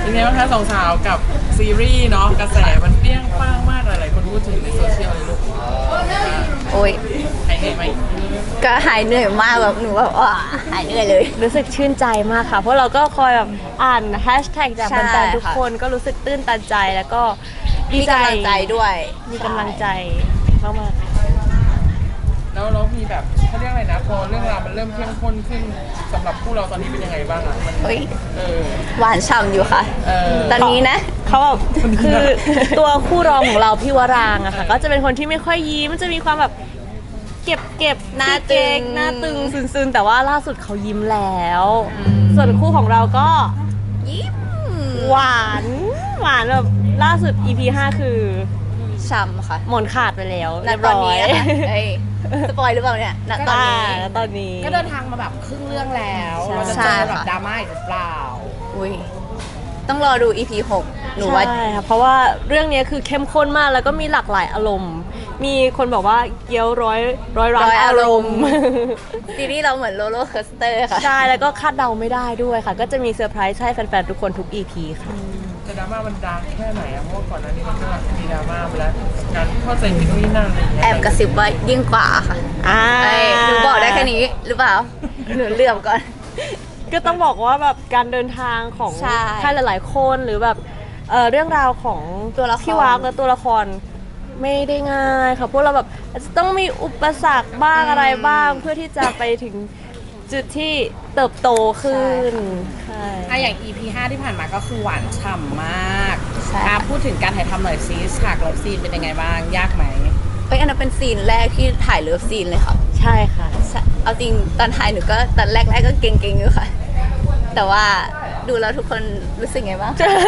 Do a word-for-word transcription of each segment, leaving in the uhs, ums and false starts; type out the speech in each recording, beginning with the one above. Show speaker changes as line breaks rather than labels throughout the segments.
เป็นไงบ้างคะสองสาวกับซีรีส์เนาะกระแสมันเปรี้ยงป้างมากหลายๆคนพูดถึงในโซเชียลเลยลูก
โอ้ย
หายเหนื่อยไหม
ก็หายเหนื่อยมากแบบหนูแบบว่าหายเหนื่อยเลย
รู้สึกชื่นใจมากค่ะ เพราะเราก็คอยแบบอ่านแฮชแท็กจาก
ใช่
แฟนๆทุก
ค่ะ
คนก็รู้สึกตื้นตันใจแล้วก็ดี
มี
ใจ
กำลังใจด้วย
มีกำลังใจมาก
แล้วเรามีแบบเขาเรียกอะไรนะพอเรื่องราวมันเริ่มเข้มข้นขึ้นสำหรับคู่เราตอนนี้เป็นยังไงบ้างอะมัน
เฮ้ย
เออ
หวานฉ่ำอยู่ค่ะ
เออ
ตอนนี้นะ
ๆเขาแบบคือตัวคู่รองของเราพี่วรางอะค่ะก็จะเป็นคนที่ไม่ค่อยยิ้มจะมีความแบบเก็บเก็บ
หน้าตึง
หน้าตึงซึนๆแต่ว่าล่าสุดเขายิ้มแล้ว ส่วนคู่ของเราก็
ยิ้ม
หวานหวานแบบล่าสุด อี พี ห้าคือ
ฉ่ำค่ะ
หมอนขาดไปแล้ว
ณ
เรียบ
ตอน
ร้อย
นี้นะคะเอ้ยสปอยหรือเปล่าเนี่ยณตอนนี้
อ่าตอนนี้
ก็เดินทางมาแบบครึ่งเรื่องแล้ว
ใช่
เราจะ
ใช่
เจอแบบ
ค่ะ
ดราม่าอีกหรือเปล่า
อุ้ยต้องรอดู อี พี หกหนูว่า
ใช่ค่ะเพราะว่าเรื่องนี้คือเข้มข้นมากแล้วก็มีหลากหลายอารมณ์ มีคนบอกว่าเกี๊ยวร้อยร้อยร้านอารมณ์
ซีรีส์เราเหมือนโรลเลอร์คอสเตอร์ค่ะ
ใช่แล้วก็คาดเดาไม่ได้ด้วยค่ะ ก็จะมีเซอร์ไพรส์ให้แฟนๆทุกคนทุก อี พี ค่ะ
จะดราม่ามันดังแค่ไหนอะเพราะว่าก่อนหน้านี้มันก็มีดราม่าไปแล้วการเข้าใจผิดตรงนี้นั่นอะไรอย่างเงี้ย
แอบกระซิบว่ายิ่งกว่าค่ะ
อ่า
เอ้ยหนูบอกได้แค่นี้หรือเปล่า หนูเลือมก่อน
ก็ต้องบอกว่าแบบการเดินทางของ
ใช่
ใครหลาย ๆ คนหรือแบบเอ่อเรื่องราวของ
ตัวละคร
พี่วากและตัวละครไม่ได้ง่ายค่ะพวกเราแบบอาจจะต้องมีอุปสรรคบ้างอะไรบ้าง เพื่อที่จะไปถึงจุดที่เติบโตขึ้นใช่
อ่ะอย่าง อี พี ห้าที่ผ่านมาก็คือหวานฉ่ำมาก
ใช่
อ่ะพูดถึงการถ่ายทำหน่อยซิฉากเลิฟซีนเป็นยังไงบ้าง ยากไหม
เอ้ยอันนั้นเป็นซีนแรกที่ถ่ายเลิฟซีนเลยค่ะ
ใช่ค่ะ
ใช่เอาจริงตอนถ่ายหนูก็ตอนแรกๆก็เก่งๆอยู่ค่ะ แต่ว่าดูแล้วทุกคนรู้สึกไงบ้าง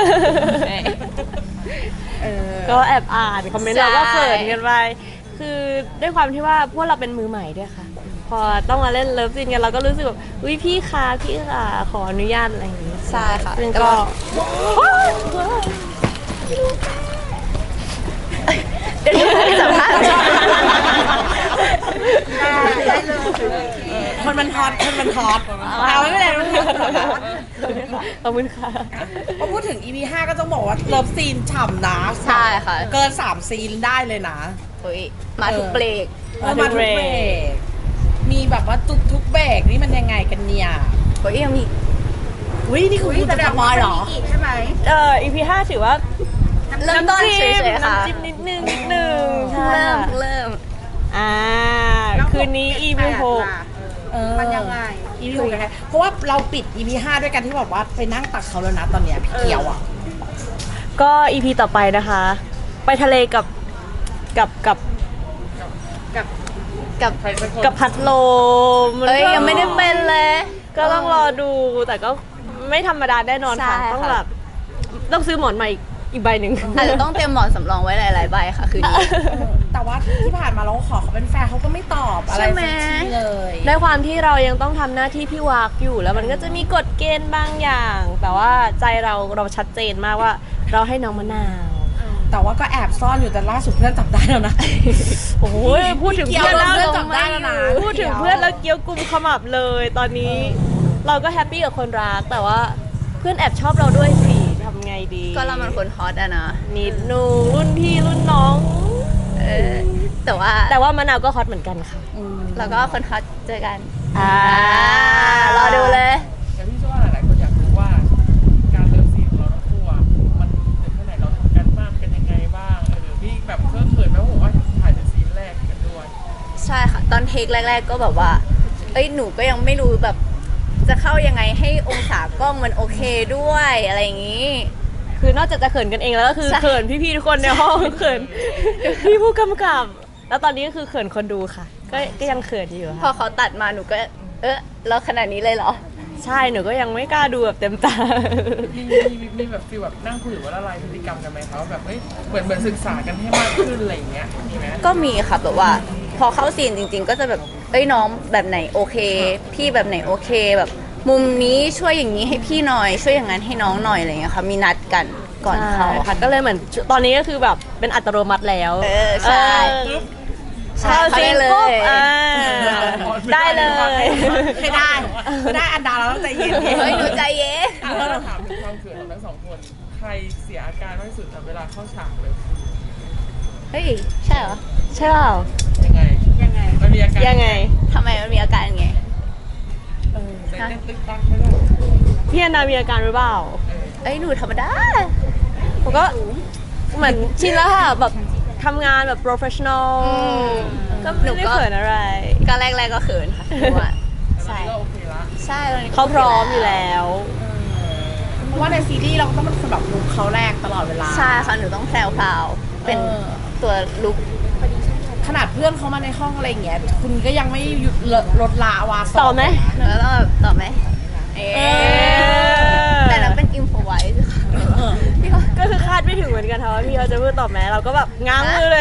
เออ
ก็แอบอ่านคอมเมนต์
ใช่
เราก็เขินกันไปคือด้วยความที่ว่าพวกเราเป็นมือใหม่ด้วยค่ะ พอต้องมาเล่นเลิฟซีนกันเราก็รู้สึกแบบอุ้ยพี่คะพี่คะขออนุญาตอะไรอย่างงี้
ใช่ค่ะ
ซึ่ง
แต่
ก็
ว่าเดี๋ยวจะสัมภาษณ์
คนมันฮอตคนมันฮอตเอาไม่เป็นไรไม่เป็นไร
ขอบคุณค่ะ
พอพูดถึง อี พี ห้าก็ต้องบอกว่าเลิฟซีนฉ่ำนะ
ใช่ค่ะ
เกินสามซีนได้เลยนะ
โอ้ยมาทุกเบรก
เออมาทุกเบรกมีแบบว่าทุกทุกเบรกนี่มันยังไงกันเนี่ย
โอ้ยยังมี
อุ้ยนี่คือคุณจะสปอยเหรอ
เอ่อ อี พี ห้าถือว่า
เริ่มต้นเฉยๆค่ะ
น้ำจิ้มนิดนึงนิดนึงใช่
เริ่ม
ค่ะ
เริ่ม
อ่าคืนนี้ อี พี หก
มันยังไง อี พี หกยังไง เพราะว่าเราปิด อี พี ห้าด้วยกันที่แบบว่าไปนั่งตักเขาแล้วนะตอนเนี้ยพี่เกียวอ่ะ
ก็ อี พี ต่อไปนะคะ ไปทะเลกับกับกับ
กับ
ใครสักคน
กับพัดลมมัน
เอ้ย
ก็
ยังไม่ได้เป็นเลย
ก็ต้องรอดูแต่ก็ไม่ธรรมดาแน่นอนค่ะ
ใช่ค่ะ
ต้องแบบต้องซื้อหมอนใหม่อีกอีกใบหนึ่ง
อาจจะต้องเตรียมหมอนสำรองไว้หลายๆใบค่ะคืนนี้
แต่ว่าที่ผ่านมาเราก็ขอเขาเป็นแฟนเขาก็ไม่ตอบอะไร
ใช่ไหม
สักทีเลย
ด้วยความที่เรายังต้องทำหน้าที่พี่วากอยู่แล้วมันก็จะมีกฎเกณฑ์บางอย่าง แต่ว่าใจเราเราชัดเจนมากว่าเราให้น้องมะนาว
แต่ว่าก็แอบซ่อนอยู่แต่ล่าสุดเพื่อนจับได้แล้วนะ
โอ้โหพูดถึง
เกี่ยว
เพื่อนแล้ว
เพื่อนจับได้แล้วนะ
พูดถึงเพื่อนแล้วเกี้ยวกุมขมับเลย ตอนนี้เราก็แฮปปี้กับคนรักแต่ว่าเพื่อนแอบชอบเราด้วยสิทำไงดี
ก็เรามันคนฮอตอะนะ
นิดนูรุ่นพี่รุ่นน้อง
เออแต่ว่า
แต่ว่ามะนาวก็ฮอตเหมือนกันค่ะ
แล้วก็คนฮอตเจอกัน
อ่า
รอดูเลย
แต่พี่เชื่อว่าหลายๆคนอยากรู้ว่าการเลิฟซีนของเราทั้งคู่อะมันถึงแค่ไหนเราทำกันบ้างกันยังไงบ้างเออพี่แบบเคอะเขินไหมว่าผมว่าถ่ายเป็นซีนแรกกันด้วย
ใช่ค่ะ ตอนเทคแรก ๆ ก็แบบว่า เอ้ยหนูก็ยังไม่รู้แบบ จะเข้ายังไงให้องศากล้องมันโอเคด้วยอะไรอย่างนี้
คือนอกจากจะเขินกันเองแล้วก็คือ
ใช่
เขินพี่ๆทุกคนในห้องเขินพี่ผู้กำกับ แล้วตอนนี้ก็คือเขินคนดูค่ะ ก็ก็ยังเขินอยู่
พอ
ค่ะ
เขาตัดมาหนูก็ เออเราขนาดนี้เลยเหรอ
ใช่หนูก็ยังไม่กล้าดูแบบเต็มตา
มีมีมีมีแบบฟีลแบบนั่งคุยหรือว่าละลายพฤติกรรมกันไหมคะว่าแบบเอ้ยเหมือนเหมือนศึกษากันให้มากขึ้นอะไรอย่างเงี้ยมีไหม
ก็มีค่ะแบบว่า พอเข้าซีนจริง ๆ ก็จะแบบเอ้ยน้องแบบไหนโอเค พี่แบบไหนโอเคแบบ มุมนี้ช่วยอย่างนี้ให้พี่หน่อย ช่วยอย่างนั้นให้น้องหน่อยอะไรอย่างเงี้ยค่ะมีนัดกันก่อนเข้า
ใช่
ค่ะ
ค่ะก็เลยเหมือนตอนนี้ก็คือแบบเป็นอัตโนมัติแล้ว
เออใช่
เออ
ใช่
เข้า
เขา
ซี
ได้
น
เล
ปุ๊บ
ย
อ่าได้เลย
ไม่ได้ไม่ได้อันดาเราต้องใจเย็นๆ
เฮ้ยหนูใจเย็น
เออ
จะถามถึงความเขินของทั้งสองคน ใครเสียอาการมากที่สุดเวลาเข้าฉากเลย
เฮ้ย ใช่เหรอ
ใช่เปล่า
ยังไง
ยังไง
มันมีอาการ
ยังไง
ทำไมมันมีอาการไง
เต้นเต้นตึ๊กตักไม่รู้
พี่แอนนามีอาการหรือเปล่า
เอ้ยหนูธรรมดา
ผมก็เหมือนชินแล้วค่ะแบบทำงานแบบ professional ก็ไม่ได้เขินอะไร
ก็แรกๆก็เขินค่ะเพราะว่า
ใช่
ใช่
ก็โอเคละ
ใช่ตอนนี้
เขาพร้อมอยู่แล้ว
เพราะว่าในซีรีส์เราก็ต้องเป็นคนแบบลุกเขาแรกตลอดเวลา
ใช่ค่ะหนูต้องแพรวๆเป็น
เออ
ตัวลุก
ขนาดเพื่อนเขามาในห้องอะไรอย่างเงี้ยคุณก็ยังไม่หยุดลดละวาส
ต่อไหม
หนูก็ต้องแบบตอบไหมเอ๊ะแต่เราเป็นอิมพอไว้ค่ะพี่เขา
ก็คือคาดไม่ถึงเหมือนกันค่ะว่าพี่เขาจะพูดตอบแม้เราก็แบบง้างมือเลย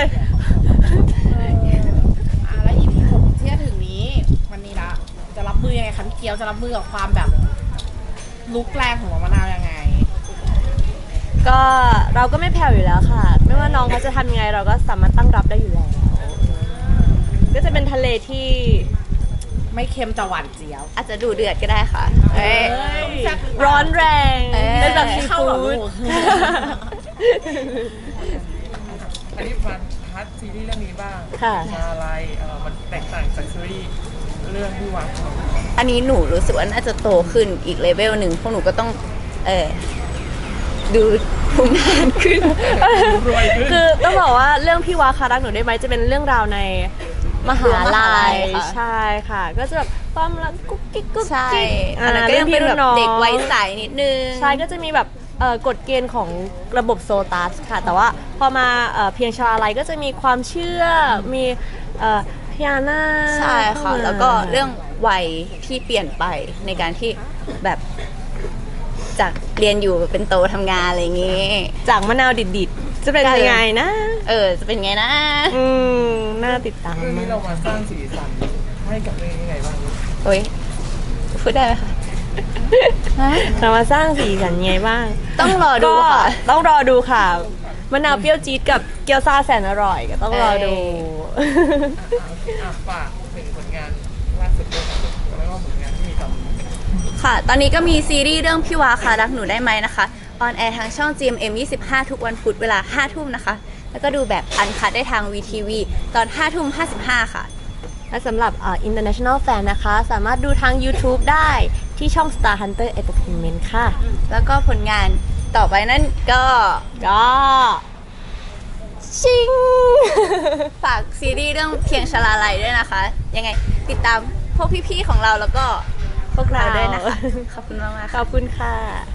อ่ะแล้ว อี พี หกที่จะถึงนี้วันนี้ละจะรับมือยังไงคะพี่เกียวจะรับมือกับความแบบลุกแรงของน้องมะนาวยังไง
ก็เราก็ไม่แผ่วอยู่แล้วค่ะ ไม่ว่าน้องเขาจะทำยังไงเราก็สามารถตั้งรับได้อยู่แล้ว ก็จะเป็นทะเลที่
ไม่เค็มแต่หวานเจี๊ยว
อาจจะดูเดือดก็ได้ค่ะเอ้ย
ร้อนแรง
เอ้ย
เป็นแบบซี
เข้าเหรอ
ฟู้
ลู
ด
ก
อันนี้มาพัดซีรีส์เรื่องนี้บ้าง
ค่ะ
มาอะไรเออมันแตกต่างจากซีรีส์เรื่องที่วาง
อันนี้หนูรู้สึกว่าน่าจะโตขึ้นอีกเลเวลหนึ่งพวกหนูก็ต้อง เออดูภูมิฐานขึ้น
รวยขึ้น
คือต้องบอกว่าเรื่องพี่วาคารักหนูได้ไหมจะเป็นเรื่องราวในมหาลัย
ค่ะ
ใช่ค่ะ ก็จะแบบความรักกุ๊กกิ๊กกุ๊ก
ใช่
กิ๊ก
อันนั้นก็ยังเป็นแบบเด็กวัยใสนิดนึง
ใช่ก็จะมีแบบเอ่อกฎเกณฑ์ของระบบโซตัสค่ะ แต่ว่าพอมาเอ่อเพียงชาลัยก็จะมีความเชื่อมีเอ่อพญานาค
ใช่ค่ะ
เข้ามา
แล้วก็เรื่องวัยที่เปลี่ยนไปในการที่แบบจากเรียนอยู่เป็นโตทำงานอะไรอย่างงี้
จากมะนาวดิดๆ จะเป็นยังไงนะ
เออ จะเป็นไงนะ
อืมน่าติดตาม
เรื่อง
มา
นี้
ก
เรามาสร้างสีสันให้กับเรื่องนี้ยังไงบ้าง
โอ้ยพูดได้ไหมคะฮะ
เรามาสร้างสีสันยังไงบ้าง
ต้องรอดู
ก็
ค่ะ
ต้องรอดูค่ะมะนาวเปรี้ยวจี๊ดกับเกี๊ยวซ่าแสนอร่อยก็ต้องรอดู
เอ้ย
อ่ะฝากถึงผลงานล่าสุดด้วยครับแล้วก็ผลงานที่มีต่อ
ค่ะ ตอนนี้ก็มีซีรีส์เรื่องพี่วาค่ะรักหนูได้ไหมนะคะออนแอร์ทางช่อง จี เอ็ม เอ็ม ยี่สิบห้า ทุกวันพุธเวลาห้าทุ่มนะคะ แล้วก็ดูแบบอันคัดได้ทาง วี ที วี ตอนห้าทุ่มห้าสิบห้าค่ะ
และสำหรับเอ่อ international fan นะคะ สามารถดูทาง YouTube ได้ที่ช่อง Star Hunter Entertainment ค่ะ
แล้วก็ผลงานต่อไปนั่นก็
ก็ชิง
ฝากซีรีส์เรื่องเพียงชลาลัยด้วยนะคะ ยังไงติดตามพวกพี่ๆของเราแล้วก็พวกเราด้วยนะคะ ขอบคุณมากๆ
ข
ค่ะ
อบคุณค่ะ